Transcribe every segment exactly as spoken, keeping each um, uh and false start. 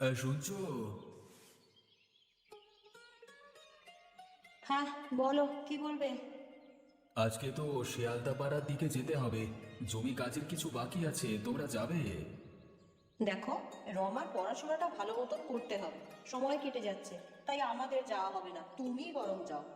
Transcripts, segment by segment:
আহ, শুনছো? হ্যাঁ, বলো কি বলবে। আজকে তো শিয়ালদা পাড়ার দিকে যেতে হবে। জমি কাজের কিছু বাকি আছে, তোমরা যাবে? দেখো, রমার পড়াশোনাটা ভালো মতন করতে হবে। সময় কেটে যাচ্ছে, তাই আমাদের যাওয়া হবে না, তুমি বরং যাও।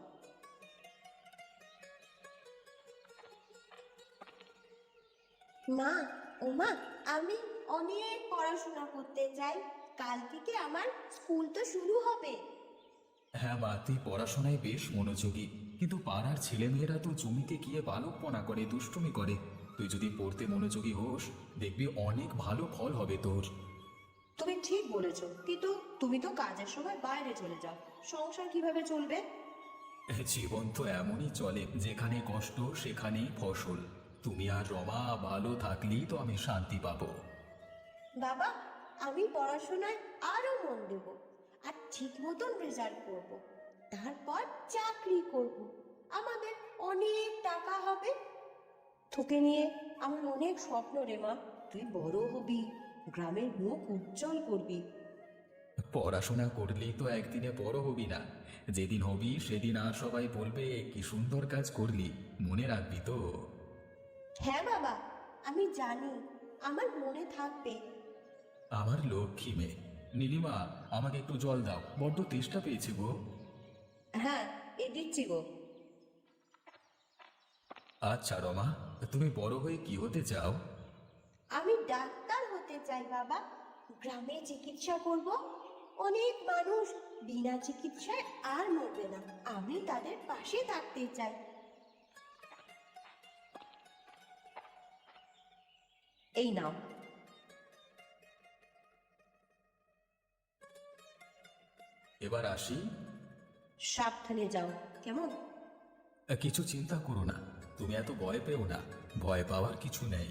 মা, ও মা, আমি অনেক পড়াশোনা করতে চাই। কাল থেকে আমার স্কুল তো শুরু হবে। হ্যাঁ মা, তুই পড়াশোনায় বেশ মনোযোগী, কিন্তু পাড়ার ছেলেমেয়েরা তো জমিতে গিয়ে বালকপনা করে, দুষ্টুমি করে। তুই যদি পড়তে মনোযোগী হোস, দেখবি অনেক ভালো ফল হবে তোর। তুমি ঠিক বলেছো, কিন্তু তুমি তো কাজের সময় বাইরে চলে যাও, সংসার কিভাবে চলবে? জীবন তো এমনই চলে, যেখানে কষ্ট সেখানেই ফসল। তুমি আর রমা ভালো থাকলেই তো আমি শান্তি পাবো। বাবা, আমি পড়াশোনায় আরো মন দেব, আর ঠিক মতন রেজাল্ট করব। তারপর চাকরি করব, আমাদের অনেক টাকা হবে। তোকে নিয়ে আমার অনেক স্বপ্ন রে মা। তুই বড় হবি, গ্রামের মুখ উজ্জ্বল করবি। পড়াশোনা করলেই তো একদিনে বড় হবি না। যেদিন হবি সেদিন আর সবাই বলবে কি সুন্দর কাজ করলি, মনে রাখবি তো? হ্যাঁ বাবা, আমি জানি, আমার মনে থাকবে। আমার লক্ষ্মী মেয়ে। নীলিমা, আমাকে একটু জল দাও, বড্ড তেষ্টা পেয়েছে গো। হ্যাঁ, এ দিচ্ছি গো। আচ্ছা রমা, তুমি বড় হয়ে কি হতে চাও? আমি ডাক্তার হতে চাই বাবা। গ্রামে চিকিৎসা করব, অনেক মানুষ বিনা চিকিৎসায় আর মরবে না। আমি তাদের পাশে থাকতে চাই। এই নাও। এবার আসি। সাবধানে যাও, কেমন? কিছু চিন্তা করো না, তুমি এত ভয় পেও না। ভয় পাওয়ার কিছু নেই।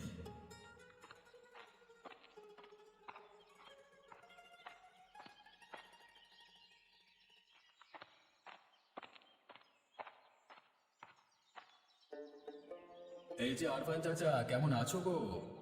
এই যে আরফান চাচা, কেমন আছো গো?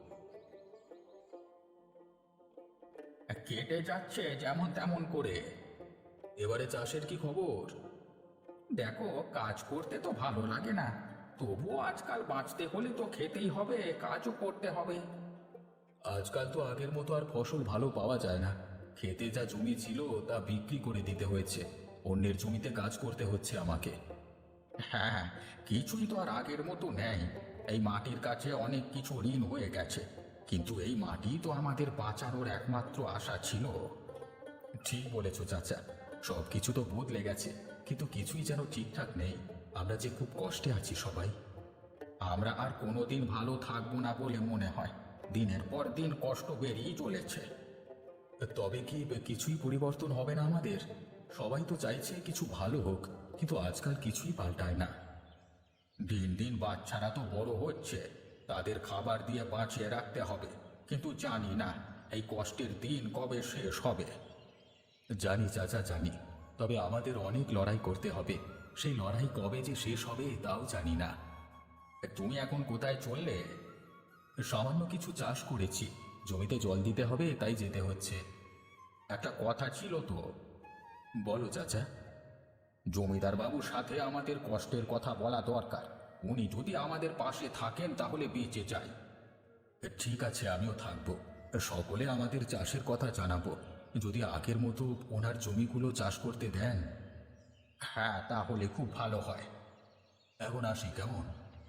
কেটে যাচ্ছে যেমন তেমন করে। এবারে চাষের কি খবর? দেখো, কাজ করতে তো ভালো লাগে না, তবুও আজকাল বাঁচতে হলে তো খেতেই হবে, কাজও করতে হবে। আজকাল তো আগের মতো আর ফসল ভালো পাওয়া যায় না। খেতে যা জমি ছিল তা বিক্রি করে দিতে হয়েছে, অন্যের জমিতে কাজ করতে হচ্ছে আমাকে। হ্যাঁ, কিছুই তো আর আগের মতো নেই। এই মাটির কাছে অনেক কিছু ঋণ হয়ে গেছে, কিন্তু এই মাটি তো আমাদের বাঁচানোর একমাত্র আশা ছিল। ঠিক বলেছ চাচা, সব কিছু তো বদলে গেছে, কিন্তু কিছুই যেন ঠিকঠাক নেই। আমরা যে খুব কষ্টে আছি সবাই। আমরা আর কোনোদিন ভালো থাকবো না বলে মনে হয়, দিনের পর দিন কষ্ট বেরিয়েই চলেছে। তবে কি কিছুই পরিবর্তন হবে না আমাদের? সবাই তো চাইছে কিছু ভালো হোক, কিন্তু আজকাল কিছুই পাল্টায় না। দিন দিন বাচ্চারা তো বড় হচ্ছে, তাদের খাবার দিয়ে বাঁচিয়ে রাখতে হবে, কিন্তু জানি না এই কষ্টের দিন কবে শেষ হবে। জানি চাচা, জানি, তবে আমাদের অনেক লড়াই করতে হবে। সেই লড়াই কবে যে শেষ হবে তাও জানি না। তুমি এখন কোথায় চললে? সামান্য কিছু চাষ করেছি, জমিতে জল দিতে হবে তাই যেতে হচ্ছে। একটা কথা ছিল তো। বলো চাচা। জমিদার বাবুর সাথে আমাদের কষ্টের কথা বলা দরকার। উনি যদি আমাদের পাশে থাকেন তাহলে বেঁচে যাই। ঠিক আছে, আমিও থাকবো। সকলে আমাদের চাষের কথা জানাবো, যদি আগের মতো ওনার জমিগুলো চাষ করতে দেন। হ্যাঁ, তাহলে খুব ভালো হয়। এখন আসি, কেমন?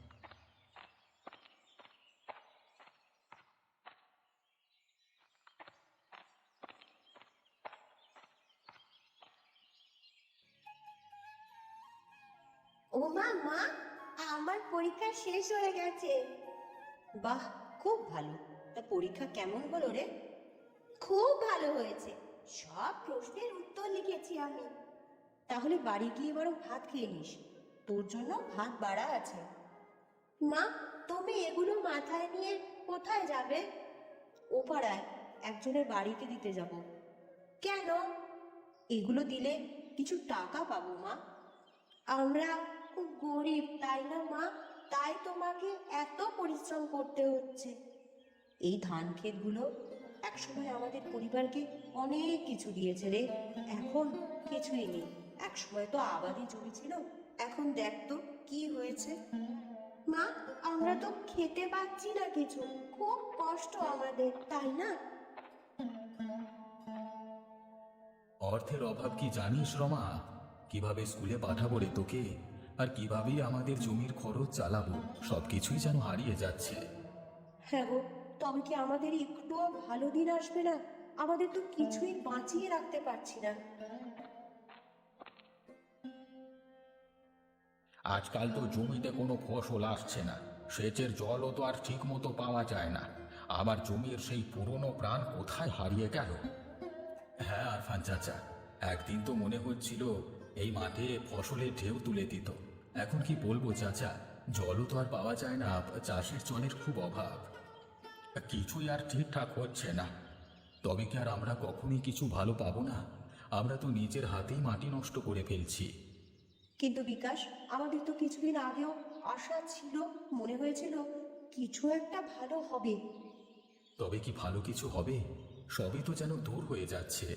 ও মা, মা, আমার পরীক্ষা শেষ হয়ে গেছে। বাহ, খুব ভালো। তা পরীক্ষা কেমন হলো রে? খুব ভালো হয়েছে, সব প্রশ্নের উত্তর লিখেছি আমি। তাহলে বাড়ি গিয়ে বরং ভাত খেয়ে নিস, তোর জন্য ভাত বাড়া আছে। মা, তুমি এগুলো মাথায় নিয়ে কোথায় যাবে? ও পাড়ায় একজনের বাড়িতে দিতে যাব। কেন? এগুলো দিলে কিছু টাকা পাবো মা। আমরা খুব গরিব, তাই না মা? তাই তোমাকে এত পরিশ্রম করতে হচ্ছে। এই ধান ক্ষেতগুলো একসময় আমাদের পরিবারকে অনেক কিছু দিয়েছে রে, এখন কিছুই নেই। একসময় তো আবাদি জমি ছিল, এখন দেখ তো কি হয়েছে। মা, আমরা তো খেতে পাচ্ছি না কিছু, খুব কষ্ট আমাদের, তাই না? অর্থের অভাব কি জানিস রমা? কিভাবে স্কুলে পাঠাবো রে তোকে, আর কিভাবেই আমাদের জমির খরচ চালাবো, সবকিছুই যেন হারিয়ে যাচ্ছে। হ্যাঁ গো, তবে কি আমাদের একটুও ভালো দিন আসবে না? আমাদের তো কিছুই বাঁচিয়ে রাখতে পারছি না। আজকাল তো জমিতে কোনো ফসল আসছে না, সেচের জলও তো আর ঠিক মতো পাওয়া যায় না। আবার জমির সেই পুরনো প্রাণ কোথায় হারিয়ে গেল। হ্যাঁ আরফান চাচা, একদিন তো মনে হচ্ছিল এই মাঠে ফসলের ঢেউ তুলে দিত। এখন কি বলবো চাচা, জলও তো আর পাওয়া যায় না, চাষের জলের খুব অভাব। কিছুই আর ঠিকঠাক হচ্ছে না। তবে কি আর আমরা কখনোই কিছু ভালো পাবো না? আমরা তো নিজের হাতেই মাটি নষ্ট করে ফেলছি। কিন্তু বিকাশ, আমাদের তো কিছুদিন আগেও আশা ছিল, মনে হয়েছিল কিছু একটা ভালো হবে। তবে কি ভালো কিছু হবে? সবই তো যেন দূর হয়ে যাচ্ছে।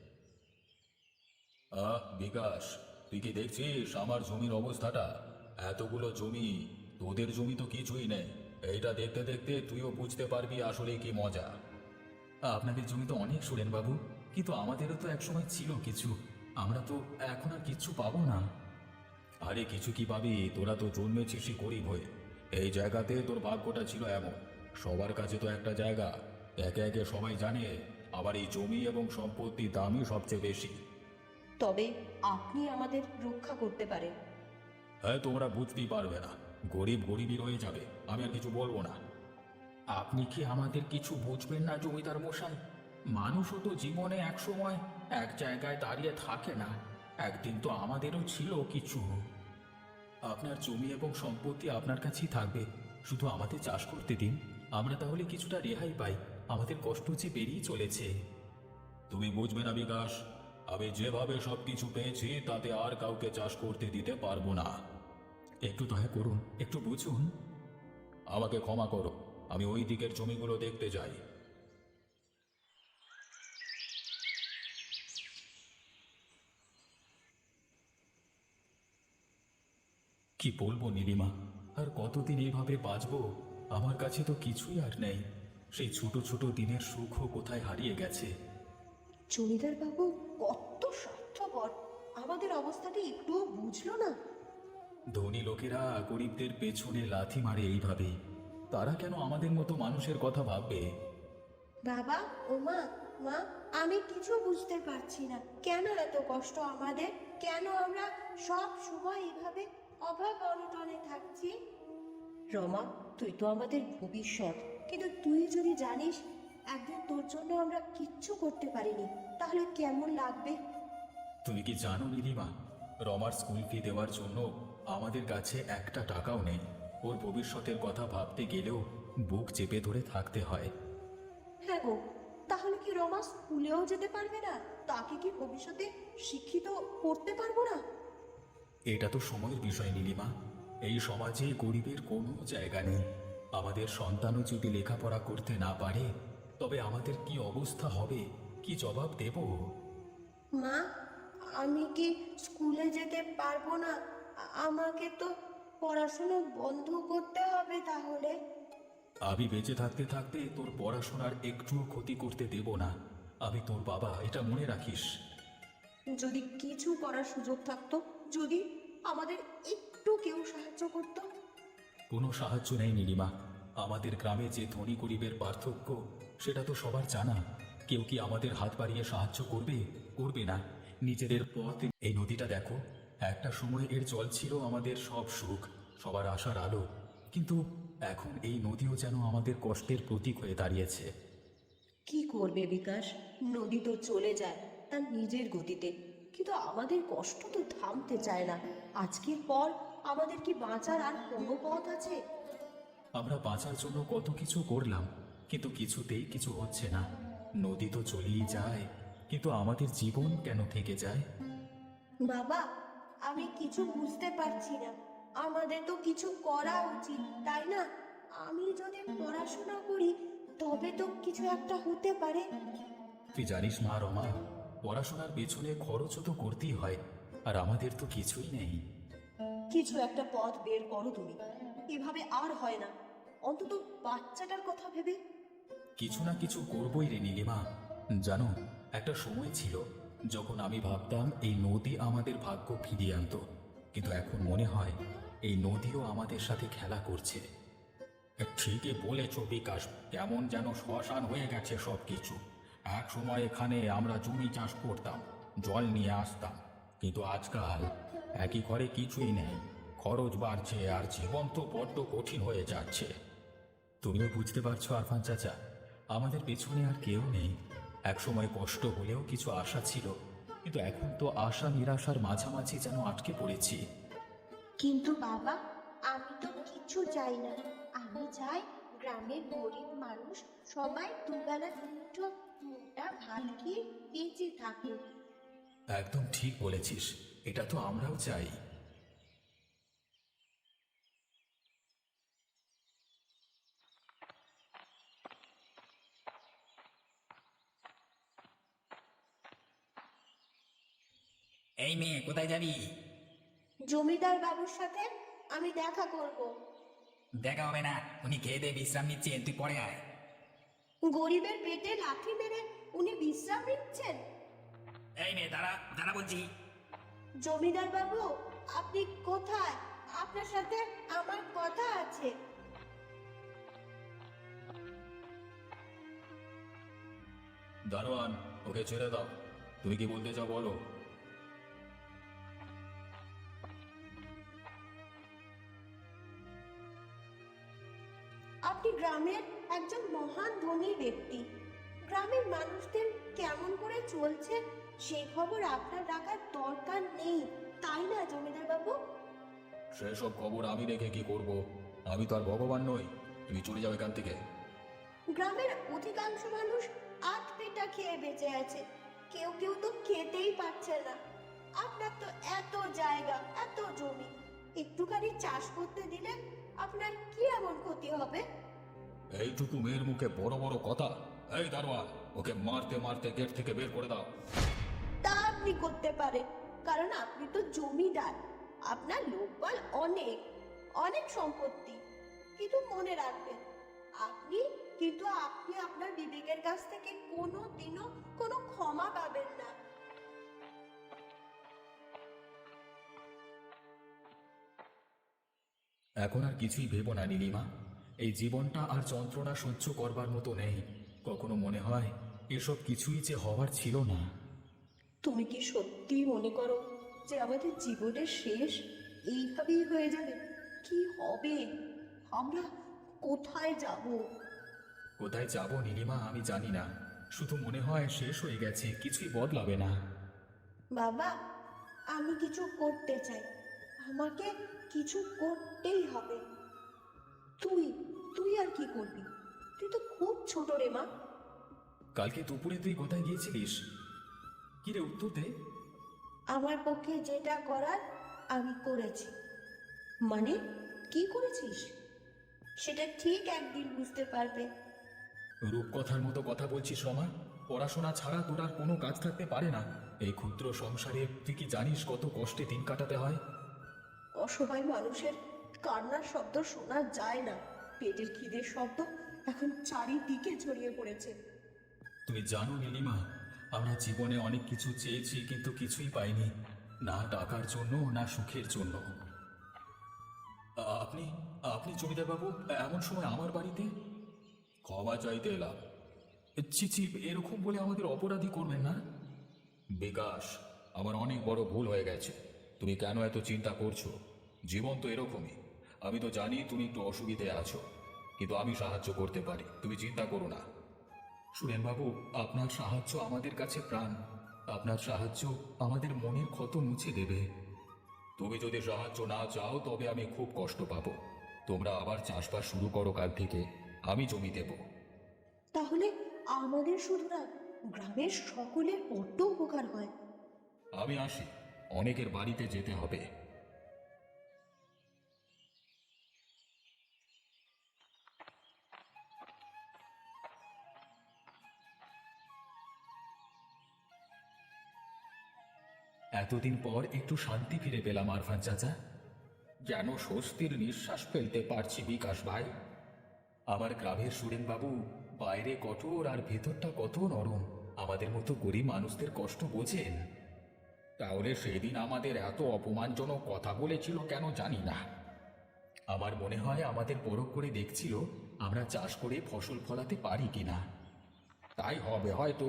আহ বিকাশ, তুই কি দেখছিস আমার জমির অবস্থাটা? এতগুলো জমি, তোদের জমি তো কিছুই নেই। এইটা দেখতে দেখতে তুইও বুঝতে পারবি আসলে কি মজা। আপনাদের জমি তো অনেক সুরেন বাবু, কিন্তু আমাদেরও তো একসময় ছিল কিছু। আমরা তো এখন আর কিচ্ছু পাবো না। আরে কিছু কি পাবি? তোরা তো জন্মেছিসই গরিব হয়ে। এই জায়গাতে তোর ভাগ্যটা ছিল এমন। সবার কাছে তো একটা জায়গা, একে একে সবাই জানে। আবার এই জমি এবং সম্পত্তির দামই সবচেয়ে বেশি। তবে আপনি আমাদের রক্ষা করতে পারেন। হ্যাঁ, তোমরা বুঝতেই পারবে না, গরিব গরিবই রয়ে যাবে। আমি আর কিছু বলবো না। আপনি কি আমাদের কিছু বুঝবেন না জমিদার মশাই? মানুষও তো জীবনে এক সময় এক জায়গায় দাঁড়িয়ে থাকে না। একদিন তো আমাদেরও ছিল কিছু। আপনার জমি এবং সম্পত্তি আপনার কাছেই থাকবে, শুধু আমাদের চাষ করতে দিন। আমরা তাহলে কিছুটা রেহাই পাই। আমাদের কষ্ট যে বেরিয়ে চলেছে। তুমি বুঝবে না বিকাশ, আমি যেভাবে সবকিছু পেয়েছি তাতে আর কাউকে চাষ করতে দিতে পারবো না। একটু দয়া করুন, একটু বুঝুন। আমাকে ক্ষমা করো, আমি ওই দিকের জমিগুলো দেখতে যাই। কি বলবো নীলিমা, আর কতদিন এইভাবে বাঁচবো? আমার কাছে তো কিছুই আর নেই। সেই ছোট ছোট দিনের সুখও কোথায় হারিয়ে গেছে। জমিদার বাবু কত স্বার্থপর, আমাদের অবস্থাটি একটুও বুঝলো না। ধনী লোকেরা গরিবদের পেছনে লাথি মারে এইভাবে। তারা কেন আমাদের মতো মানুষের কথা ভাববে? বাবা ও মা, মা, আমি কিছু বুঝতে পারছি না, কেন এত কষ্ট আমাদের? কেন আমরা সব সময় এভাবে অভাব অনটনে থাকছি? রমা, তুই তো আমাদের ভবিষ্যৎ, কিন্তু তুই যদি জানিস একদিন তোর জন্য আমরা কিচ্ছু করতে পারিনি, তাহলে কেমন লাগবে? তুমি কি জানো নীলিমা, রমার স্কুল ফি দেওয়ার জন্য আমাদের কাছে একটা টাকাও নেই। ওর ভবিষ্যতের কথা ভাবতে গেলেও বুক চেপে ধরে থাকতে হয়। হ্যাঁ গো, তাহলে কি রমা স্কুলেও যেতে পারবে না? তাকে কি ভবিষ্যতে শিক্ষিত করতে পারবো না? এটা তো সময়ের বিষয় নীলিমা। এই সমাজে গরিবের কোনো জায়গা নেই। আমাদের সন্তানও যদি লেখাপড়া করতে না পারে, তবে আমাদের কি অবস্থা হবে, কি জবাব দেব? মা, আমি কি স্কুলে যেতে পারবো না? আ- আমাকে তো পড়াশোনা বন্ধ করতে হবে তাহলে। আমি বেঁচে থাকতে থাকতে তোর পড়াশোনার একটুও ক্ষতি করতে দেব না। আমি তোর বাবা, এটা মনে রাখিস। যদি কিছু করার সুযোগ থাকতো, যদি আমাদের একটু কেউ সাহায্য করতো। কোনো সাহায্য নেই নীলিমা। আমাদের গ্রামে যে ধনী গরিবের পার্থক্য, সেটা তো সবার জানা। কেউ কি আমাদের হাত বাড়িয়ে সাহায্য করবে? করবে না। নিজেদের পথ। এই নদীটা দেখো, একটা সময় এর জল ছিল আমাদের সব সুখ, সবার আশার আলো। কিন্তু এখন এই নদীও যেন আমাদের কষ্টের প্রতীক হয়ে দাঁড়িয়েছে। কি করবে বিকাশ, নদী তো চলে যায় তার নিজের গতিতে, কিন্তু আমাদের কষ্ট তো থামতে চায় না। আজকের পর আমাদের কি বাঁচার আর কোনো পথ আছে? আমরা বাঁচার জন্য কত কিছু করলাম, কিন্তু কিছুতেই কিছু হচ্ছে না। নদী তো চলেই যায়, কিন্তু আমাদের জীবন কেন থেকে যায়? বাবা, আমি কিছু বুঝতে পারছি না। আমাদের তো কিছু করা উচিত, তাই না? আমি যদি পড়াশোনা করি তবে তো কিছু একটা হতে পারে। তুই জানিস মা রমা, পড়াশোনার পেছনে খরচও তো করতেই হয়, আর আমাদের তো কিছুই নেই। কিছু একটা পথ বের করো তুমি, এভাবে আর হয় না। অন্তত বাচ্চাটার কথা ভেবে। কিছু না কিছু করবই রে নীলিমা। জানো, একটা সময় ছিল যখন আমি ভাবতাম এই নদী আমাদের ভাগ্য ফিরিয়ে আনতো, কিন্তু এখন মনে হয় এই নদীও আমাদের সাথে খেলা করছে। ঠিকই বলেছ বিকাশ, কেমন যেন শ্মশান হয়ে গেছে সব কিছু। এক সময় এখানে আমরা জমি চাষ করতাম, জল নিয়ে আসতাম, কিন্তু আজকাল একই ঘরে কিছুই নেই। খরচ বাড়ছে আর জীবন তো বড্ড কঠিন হয়ে যাচ্ছে। তুমিও বুঝতে পারছো আরফান চাচা, আমাদের পেছনে আর কেউ নেই। এক সময় কষ্ট হলেও কিছু আশা ছিল, কিন্তু এখন তো আশা নিরাশার মাঝামাঝি যেন আটকে পড়েছি। কিন্তু বাবা, আমি তো কিছু চাই না। আমি চাই গ্রামের গরিব মানুষ সবাই দুবেলা দুটো মোটা ভাত খেয়ে বেঁচে থাকুক। একদম ঠিক বলেছিস, এটা তো আমরাও চাই। এই মেয়ে, কোথায় যাবি? জমিদার বাবুর সাথে আমি দেখা করব। দেখা হবে না, উনি খেয়ে দিয়ে বিশ্রাম নিচ্ছেন, তুই পরে আয়। গরিবের পেটে লাথি মেরে উনি বিশ্রাম নিচ্ছেন? এই মেয়ে, দাঁড়া দাঁড়া বলছি। জমিদার বাবু, আপনি কোথায়? আপনার সাথে আমার কথা আছে। দারোয়ান, ওকে ছেড়ে দাও। তুমি কি বলতে চাও বলো। আপনি গ্রামের একজন মহান ধনী ব্যক্তি। গ্রামের মানুষদের কেমন করে চলছে সেই খবর আপনার রাখার দরকার নেই, তাই না জমিদার বাবু? সেসব খবর আমি রেখে কি করব? আমি তো আর ভগবান নই। তুমি চলে যাও এখান থেকে। গ্রামের অধিকাংশ মানুষ আট পেটা খেয়ে বেঁচে আছে, কেউ কেউ তো খেতেই পারছে না। আপনার তো এত জায়গা, এত জমি, একটুখানি চাষ করতে দিলে আপনার কি এমন ক্ষতি হবে? এইটুকু মেয়ের মুখে বড় বড় কথা। এই দারোয়ান, ওকে মারতে মারতে গেট থেকে বের করে দাও। তা আপনি করতে পারেন, কারণ আপনি তো জমিদার। আপনার লোকবল অনেক, অনেক সম্পত্তি। কিন্তু মনে রাখবেন, আপনি কিন্তু আপনি আপনার বিবেকের কাছ থেকে কোনো দিনও কোনো ক্ষমা পাবেন না। এখন আর কিছুই ভেবো না নীলিমা। এই জীবনটা আর যন্ত্রণা সহ্য করবার মতো নেই। কখনো মনে হয় এসব কিছুই যে হওয়ার ছিল না। তুমি কি সত্যি মনে করো যে আমাদের জীবনের শেষ এইভাবেই হয়ে যাবে? কি হবে? আমরা কোথায় যাব? কোথায় যাব নীলিমা আমি জানি না, শুধু মনে হয় শেষ হয়ে গেছে, কিছুই বদলাবে না। বাবা, আমি কিছু করতে চাই, আমাকে কিছু করতেই হবে। তুই তুই আর কি করবি? তুই তো খুব ছোট রে মা। কালকে দুপুরে তুই কোথায় গিয়েছিলিস? কি রে, উত্তর দে। আমার পক্ষে যেটা করার আমি করেছি। মানে কি করেছিস? সেটা ঠিক একদিন বুঝতে পারবে। রূপকথার মতো কথা বলছিস রমা। পড়াশোনা ছাড়া তোর আর কোনো কাজ থাকতে পারে না। এই ক্ষুদ্র সংসারে তুই কি জানিস কত কষ্টে দিন কাটাতে হয়? অসহায় মানুষের কান্নার শব্দ শোনা যায় না, পেটের খিদের শব্দ এখন চারিদিকে ছড়িয়ে পড়েছে। তুমি জানো নীলিমা, আমরা জীবনে অনেক কিছু চেয়েছি কিন্তু কিছুই পাইনি, না টাকার জন্য না সুখের জন্য। আ- আপনি আপনি জমিদার বাবু এমন সময় আমার বাড়িতে? ক্ষমা চাইতে এলাম। ছি ছি, এরকম বলে আমাদের অপরাধী করবেন না। বিকাশ, আমার অনেক বড় ভুল হয়ে গেছে। তুমি কেন এত চিন্তা করছো? জীবন তো এরকমই। আমি তো জানি তুমি একটু অসুবিধে আছো, কিন্তু আমি সাহায্য করতে পারি, তুমি চিন্তা করো না। সুরেন বাবু, আপনার সাহায্য আমাদের কাছে প্রাণ। আপনার সাহায্য আমাদের মনের ক্ষত মুছে দেবে। তুমি যদি সাহায্য না চাও তবে আমি খুব কষ্ট পাবো। তোমরা আবার চাষবাস শুরু করো কাল থেকে, আমি জমি দেব। তাহলে আমাদের শুধু না, গ্রামের সকলের বড্ড উপকার হয়। আমি আসি, অনেকের বাড়িতে যেতে হবে। এতদিন পর একটু শান্তি ফিরে পেলাম আরফান চাচা। যেন স্বস্তির নিঃশ্বাস ফেলতে পারছি বিকাশ ভাই। আমার গ্রামের সুরেন বাবু বাইরে কঠোর আর ভেতরটা কত নরম। আমাদের মতো গরিব মানুষদের কষ্ট বোঝেন। তাহলে সেদিন আমাদের এত অপমানজনক কথা বলেছিল কেন জানি না। আমার মনে হয় আমাদের পরখ করে দেখছিল আমরা চাষ করে ফসল ফলাতে পারি কিনা। তাই হবে হয়তো।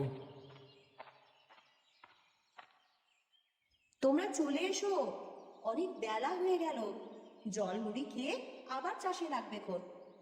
তোমরা চলে এসো, অনেক বেলা হয়ে গেল। জল মুড়ি খেয়ে আবার চাষে লাগবে কোন।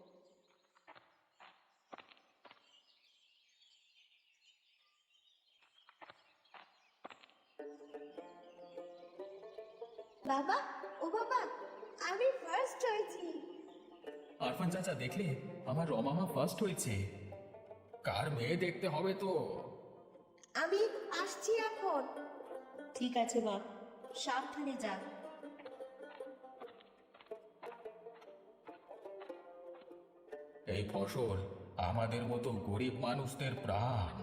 বাবা, ও বাবা, আমি ফার্স্ট হয়েছি। আরফান চাচা দেখলে আমার রমামা ফার্স্ট হয়েছে। কার মেয়ে দেখতে হবে তো। আমি আসছি এখন। ঠিক আছে মা, সাবধানে যা। এই ফসল আমাদের মতো গরিব মানুষদের প্রাণ।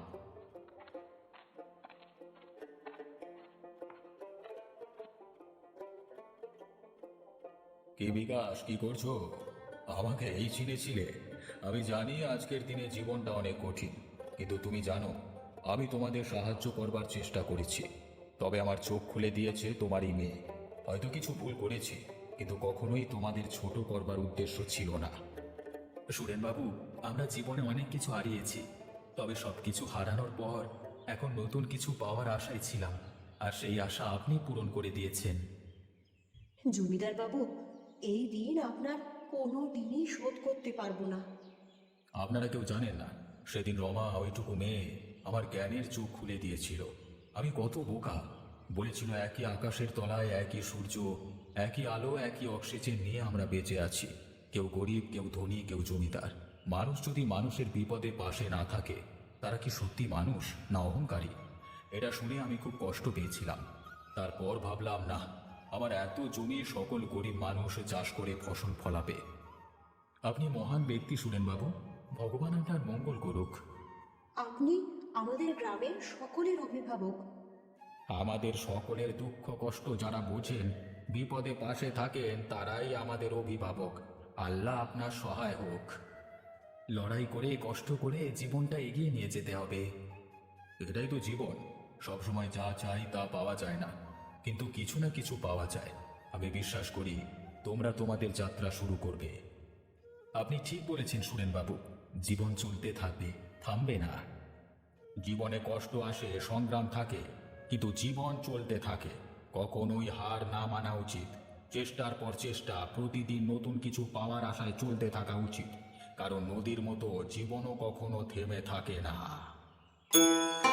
কি বিকাশ, কি করছো? আমাকে এই চিনেছিলে? আমি জানি আজকের দিনে জীবনটা অনেক কঠিন, কিন্তু তুমি জানো আমি তোমাদের সাহায্য করবার চেষ্টা করেছি। তবে আমার চোখ খুলে দিয়েছে তোমারই মেয়ে। হয়তো কিছু ভুল করেছি, কিন্তু কখনোই তোমাদের ছোট করবার উদ্দেশ্য ছিল না। সুরেনবাবু, আমরা জীবনে অনেক কিছু হারিয়েছি, তবে সব কিছু হারানোর পর এখন নতুন কিছু পাওয়ার আশায় ছিলাম, আর সেই আশা আপনি পূরণ করে দিয়েছেন। জমিদার বাবু, এই ঋণ আপনার কোনো দিনই শোধ করতে পারবো না। আপনারা কেউ জানেন না, সেদিন রমা ওইটুকু মেয়ে আমার জ্ঞানের চোখ খুলে দিয়েছিল। আমি কত বোকা। বলেছিল একই আকাশের তলায় একই সূর্য, একই আলো, একই অক্সিজেন নিয়ে আমরা বেঁচে আছি। কেউ গরিব, কেউ ধনী, কেউ জমিদার। মানুষ যদি মানুষের বিপদে পাশে না থাকে, তারা কি সত্যি মানুষ না অহংকারী? এটা শুনে আমি খুব কষ্ট পেয়েছিলাম। তারপর ভাবলাম, না, আমার এত জমি সকল গরিব মানুষ চাষ করে ফসল ফলাবে। আপনি মহান ব্যক্তি সুরেনবাবু, ভগবান আপনার মঙ্গল করুক। আপনি আমাদের গ্রামের সকলের অভিভাবক। আমাদের সকলের দুঃখ কষ্ট যারা বোঝেন, বিপদে পাশে থাকেন, তারাই আমাদের অভিভাবক। আল্লাহ আপনার সহায় হোক। লড়াই করে কষ্ট করে জীবনটা এগিয়ে নিয়ে যেতে হবে। এটাই তো জীবন। সবসময় যা চাই তা পাওয়া যায় না, কিন্তু কিছু না কিছু পাওয়া যায়। আমি বিশ্বাস করি তোমরা তোমাদের যাত্রা শুরু করবে। আপনি ঠিক বলেছেন সুরেনবাবু, জীবন চলতে থাকবে, থামবে না। জীবনে কষ্ট আসে, সংগ্রাম থাকে, কিন্তু জীবন চলতে থাকে। কখনোই হার না মানা উচিত। চেষ্টার পর চেষ্টা, প্রতিদিন নতুন কিছু পাওয়ার আশায় চলতে থাকা উচিত, কারণ নদীর মতো জীবনও কখনো থেমে থাকে না।